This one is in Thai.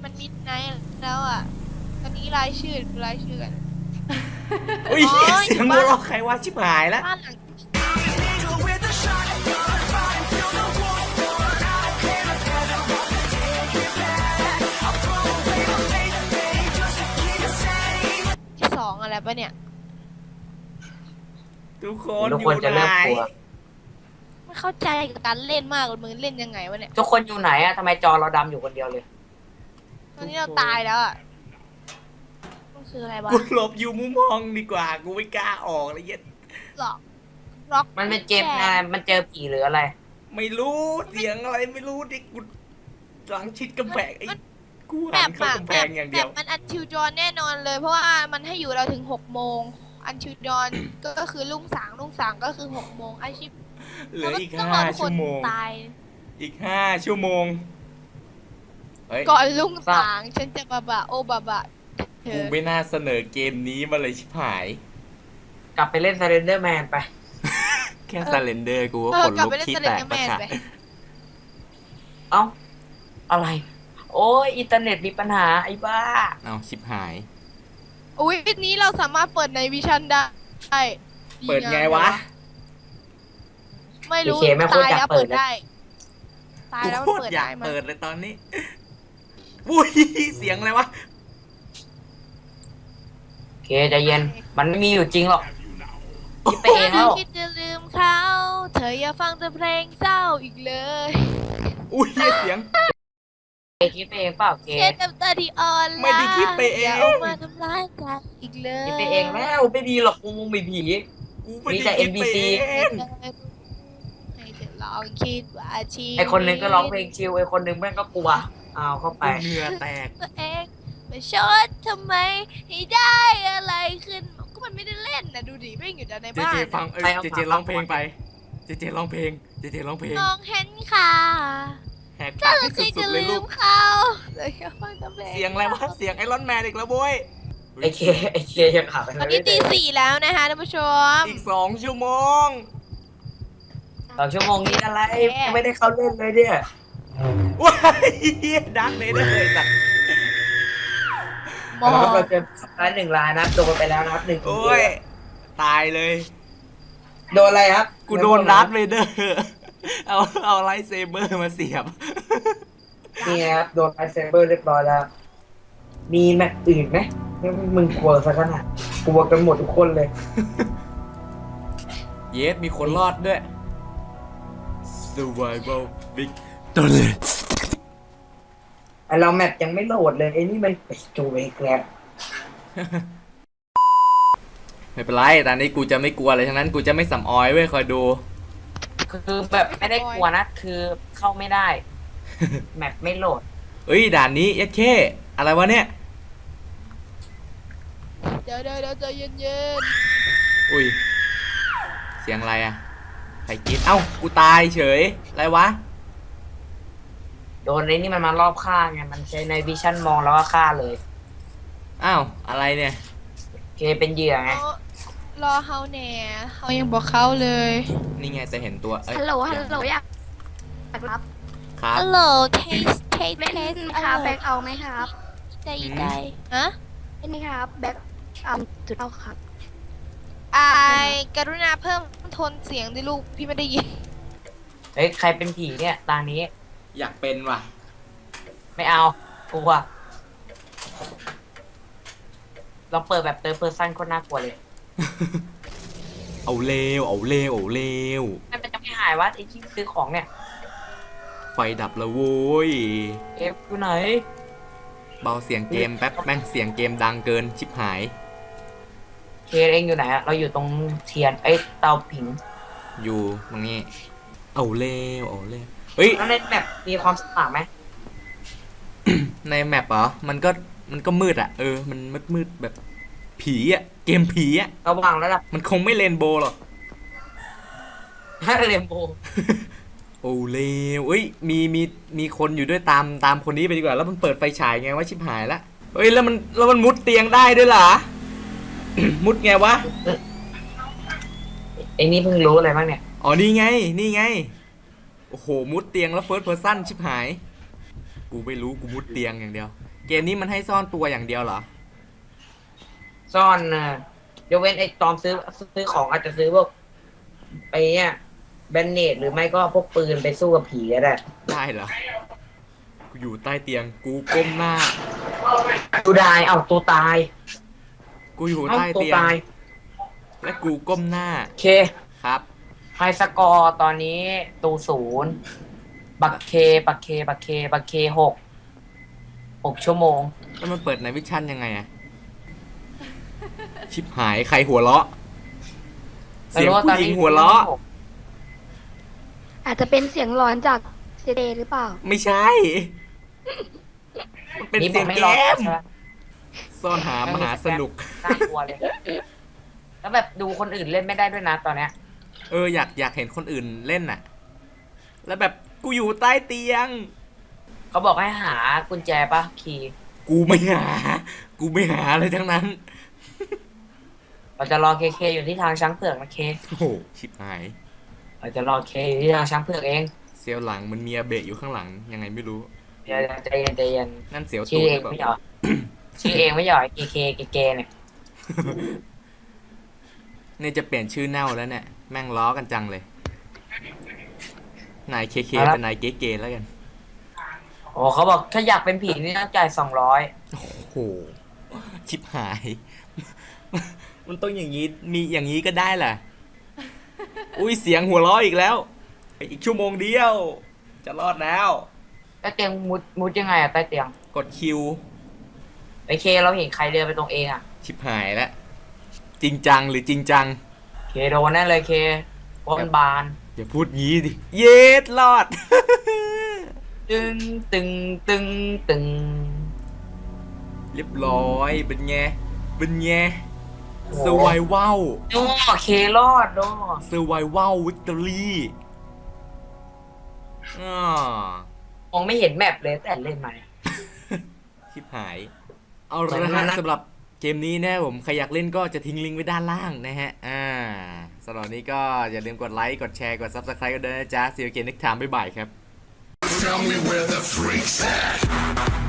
มันมิดไนท์แล้วอ่ะตอนนี้รายชื่อกันอุ้ยเสียงหัวเราะใครวะชิบหายแล้วบ้านหลังที่สองอะไรปะเนี่ยทุกคนทุกอคนยู่จะไหนเริ่มกลัวไม่เข้าใจกับการเล่นมากเลยมึงเล่นยังไงวะเนี่ยทุกคนอยู่ไหนอะทำไมจอเราดำอยู่คนเดียวเลยตอนนี้เราตายแล้วอ่ะต้องซื้ออะไรวะกูหลบอยู่มุมมองดีกว่ากูไม่กล้าออกเลยเย็ดล็อกมันเป็นเกมไงมันเจอผีหรืออะไรไม่รู้เสียงอะไรไม่รู้ดิกูหลังชิดกำแพงไอ้กูแบหันบเข้ากำแพงอย่างเดียวแบบมันอันทิวจอนแน่นอนเลย เพราะว่ามันให้อยู่เราถึง6 โมงอันทิวจอนก็คือรุ่งสางก็คือ6 โมงอาชีพเหลืออีกต้องรห้าทุกคชั่นวโมงตายอีก5 ชั่วโมงเฮ้ยก่อนรุ่งสางฉันจะบะโอบะเธกูอไม่น่าเสนอเกมนี้มาเลยชิบหายกลับไปเล่น Slenderman ไปแค่ซาเลนเดอร์กูก็ขนกลับลุกไปเล่นขี้สแตเลนกเดอร์ปแมระนชาไปเอ้า อะไร โอ้ยอินเทอร์เน็ตมีปัญหาไอ้บ้าเอาชิบหายอุ้ยนี้เราสามารถเปิดในวิชั่นได้เปิดไงวะไม่รู้โอเคไม่ควรตายจะแล้วเปิเปิดดนะได้ตายกูแล้วโคมันตรเปิดอยาได้กมั้ยเปิดเลยตอนนี้วุ้ยเสียงอะไรวะโอเคใจเย็น มันไม่มีอยู่จริงหรอกคิดไปเองแล้วคิดจะลืมเขาเธออย่าฟังแต่เพลงเศร้าอีกเลยอุ้ยเสียงคิดไปเองเปล่าเกเช็ดน้ำตาที่อ่อนไม่ได้คิดไปเองย่าเอามาทำร้ายกันอีกเลยคิดไปเองแล้วไม่ดีหรอกกูมีผีกูไม่มีแต่ได้คิดไป NPC เองให้เธอลองคิดว่าชีวิตไอคนหนึงก็ร้องเพลงชิลไอคนหนึงแม่งก็กลัวเอาเข้าไปกูเหงื่อแตกตัวเองมาชดทำไมให้ได้อะไรขึ้นก็มันไม่ได้เล่นนะดูดิไม่อยู่แต่ในเจบ้าเจนฟังเจเจร้องเพลงไป เจเจร้องเพลง เจเจร้องเพลงมองเห็นค่ะแหกถ้าปากเราให้เคยสุจะดๆเลยลืลูมกเขาเลยแค่ฟังแต่เพลงเสียงอะไรวะ เสียงไอรอนแมนอีกแล้วโว้ยไอเคยังขับไปตอนนี้ตี 4แล้วนะคะท่านผู้ชมอีก2 ชั่วโมง 2 ชั่วโมงนี้อะไรไม่ได้เข้าเล่นเลยเนี่ยว้ายดังเลยได้เลยสัตว์มองเราจะร้าน1 ล้านนะโดนไปแล้วนะครับ1 โอ้ย ตายเลยโดนอะไรครับกูโดนดัตเวเดอร์ เอาไลท์เซเบอร์มาเสียบนี่ครับโดนไลท์เซเบอร์เรียบร้อยแล้ว มีแมตช์อื่นไหมมึงกลัวซะขนาดกลัวกันหมดทุกคนเลยเยสมีคนรอดด้วย Survival Big ตัวเลยไอเราแมปยังไม่โหลดเลยไอ้นี่มันไปจูเอกแล้วไม่เป็นไรตอนนี้กูจะไม่กลัวอะไรทั้งนั้น กูจะไม่สำออยเว้ยคอยดูคือแบบไม่ได้กลัวนะ คือเข้าไม่ได้ แมปไม่โหลดเอ้ยด่านนี้เอสเคอะไรวะเนี่ยเดี๋ยวใจเย็นอุ้ย เสียงอะไรอะใครกินเอ้า กูตายเฉย อะไรวะโดนไอ้นี่มันมารอบฆ่าไงมันใช้ในวิชั่นมองแล้วก็ฆ่าเลยอ้าว อะไรเนี่ยเคเป็นเหยื่อๆไงรอเฮาแหน่เขายังบอกเขาเลยนี่ไงจะเห็นตัวเอ้ยฮัลโหลอยากครับครับฮัลโหลเทสเล่นครับแบ็คเอาไหมครับใจฮะเล่นไหมครับแบ็คเอาจุดเอาครับกรุณาเพิ่มโทนเสียงดิลูกพี่ไม่ได้ยินเฮ้ยใครเป็นผีเนี่ยตานี้อยากเป็นว่ะไม่เอากลัวเราเปิดแบบเติร์ดเพอร์ซันคนน่ากลัวเลยเอาเลวเอาเลวเอาเลวมันจะไม่หายวะไอ้ที่ซื้อของเนี่ยไฟดับแล้วโว้ยเอฟอยู่ไหนเบาเสียงเกมแป๊บแม่งเสียงเกมดังเกินชิบหายเคเองอยู่ไหนอะเราอยู่ตรงเทียนไอ้เตาผิงอยู่ตรงนี้ เอาเลวเอาเลวเฮ้ยแล้วในแมปมีความสว่างไหมในแมปเหรอ มันก็มืดอ่ะ มันมืดแบบผีอ่ะ เกมผีอ่ะสว่างแล้วล่ะมันคงไม่เรนโบว์หรอกถ้าเรมโบโอ้เลวเอ้ย มีคนอยู่ด้วยตามคนนี้ไปดีกว่า แล้วมันเปิดไฟฉายไงวะชิบหายละเฮ้ย แล้วมันมุดเตียงได้ด้วยเหรอ มุดไงวะไอ้นี่เพิ่งรู้อะไรบ้างเนี่ยอ๋อ นี่ไง โอ้โห มุดเตียงแล้วเฟิร์สเพอร์ซันชิบหาย กูไม่รู้ กูมุดเตียงอย่างเดียวเกมนี้มันให้ซ่อนตัวอย่างเดียวเหรอซ่อนนะยกเว้นไอ้ตอมซื้อของอาจจะซื้อพวกไปเนี่ยแบนเนตหรือไม่ก็พวกปืนไปสู้กับผีก็ได้ได้เหรอ กูอยู่ใต้เตียง กูก้มหน้าตูได้เอาตัวตายกูอยู่เอาใต้ตัวเตียงตายและกูก้มหน้าโอเคครับไฮสกอร์ตอนนี้ตู0บักเค6 ชั่วโมงแล้วมันเปิดในวิชั่นยังไงอะชิบหายใครหัวเราะ เสียงผู้หญิงหัวเราะอาจจะเป็นเสียงร้อนจากเจเดหรือเปล่าไม่ใช่ มันเป็นนี่เสียงไม่เกรอม ซ่อนหามหาสนุกน่ากลัวเลย แล้วแบบดูคนอื่นเล่นไม่ได้ด้วยนะตอนเนี้ยอยากเห็นคนอื่นเล่นน่ะ แล้วแบบกูอยู่ใต้เตียงเขาบอกให้หากุญแจปะคีย์กูไม่หาอะไรทั้งนั้นเราจะรอเคอยู่ที่ทางช้างเผือกนะเคโอ้โห ชิบหายเราจะรอเคอยู่ที่ทางช้างเผือกเองเสียวหลังมันมีอาเบะอยู่ข้างหลังยังไงไม่รู้เดี๋ยวใจเย็นนั่นเสียวชื่ตูอดเอหงรือเปไม่ล่าหยอชื่อเองไม่หยอเกเนี่ยเนี่ยจะเปลี่ยนชื่อเน่าแล้วเนี่ย แม่งล้อกันจังเลย นายเคเป็นนายเก๋ๆแล้วกันโอ้เขาบอกถ้าอยากเป็นผีนี่ต้องจ่าย200 โอ้โห ชิบหาย มันต้องอย่างนี้ มีอย่างนี้ก็ได้แหละ อุ้ยเสียงหัวเราะอีกแล้ว อีกชั่วโมงเดียว จะรอดแล้วใต้เตียงมุดยังไงอะใต้เตียงกดคิวไอเคเราเห็นใครเดินไปตรงเองอะชิบหายแล้ว จริงจังหรือจริงจังเคโดนแน่เลยเคบนบานอย่าพูดงี้ดิ เย็ดรอดตึงตึงตึงตึงเรียบร้อยเป็นไง เป็นไงโอ้เซอร์ไววัลโอ้เครอดโดเซอร์ไววัลวิกตอรี่อ่ามองไม่เห็นแมปเลยแต่เล่นมาเนี่ยชิบหาย เอาเหมืละอนฮะนะสำหรับเกมนี้นะผมใครอยากเล่นก็จะทิ้งลิงก์ไว้ด้านล่างนะฮะสำหรับนี้ก็อย่าลืมกดไลค์กดแชร์กด Subscribe กันด้วยนะจ๊ะ See you again next time บ๊ายบายครับ Tell me where the freaks at.